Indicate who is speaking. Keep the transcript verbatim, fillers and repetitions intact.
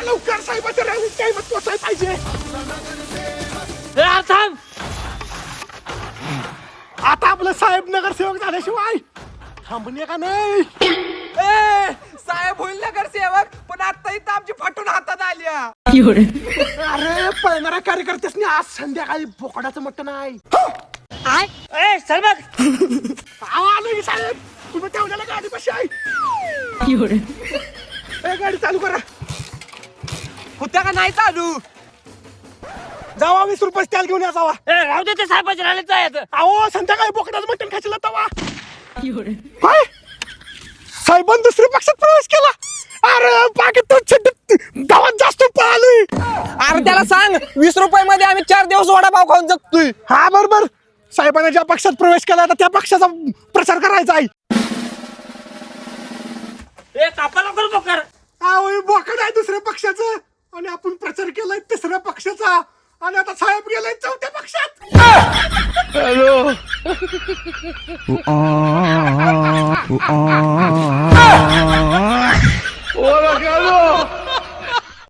Speaker 1: लवकर साहेबाच्या रॅलीत टाइमात पोचायला पाहिजे.
Speaker 2: ए, थांब.
Speaker 1: आता आपलं साहेब नगरसेवक झाल्याशिवाय थांबणे का नाही.
Speaker 3: ए साहेब होईल नगरसेवक, पण आता इथं आमची फाटून हातात आल्या.
Speaker 1: अरे पळणाऱ्या कार्यकर्त्यासनी आज संध्याकाळी बोकडाचं मटण आहे.
Speaker 2: ए, चल बघ.
Speaker 1: आवा आलो की साहेब, तुम्ही ठेवलेल्या गाडी कशी आहे. ए, गाडी चालू करा.
Speaker 3: होत्या का नाही चालू.
Speaker 1: जावा वीस रुपये तेल घेऊन या जावा.
Speaker 2: ए, राहू दे ते साहेबाच्या रॅलीत जायचं.
Speaker 1: अहो संध्याकाळी बोकडाचं मटण खायला तवा. काय साहेबांनी दुसऱ्या पक्षात प्रवेश केला. अरे बाकी तो गावात जास्त पळालोय.
Speaker 3: अरे त्याला सांग वीस रुपये मध्ये आम्ही चार दिवस वडापाव खाऊन जगतोय.
Speaker 1: हा बरोबर. साहेबांनी ज्या पक्षात प्रवेश केला आता त्या पक्षाचा प्रचार करायचा आहे.
Speaker 2: ए, कापा लवकर बोकर.
Speaker 1: अहो हे बोकड आहे दुसऱ्या पक्षाचं आणि आपण प्रचार केलाय तिसऱ्या पक्षाचा आणि आता साहेब गेलाय चौथ्या पक्षात.
Speaker 4: Hola, Carlos.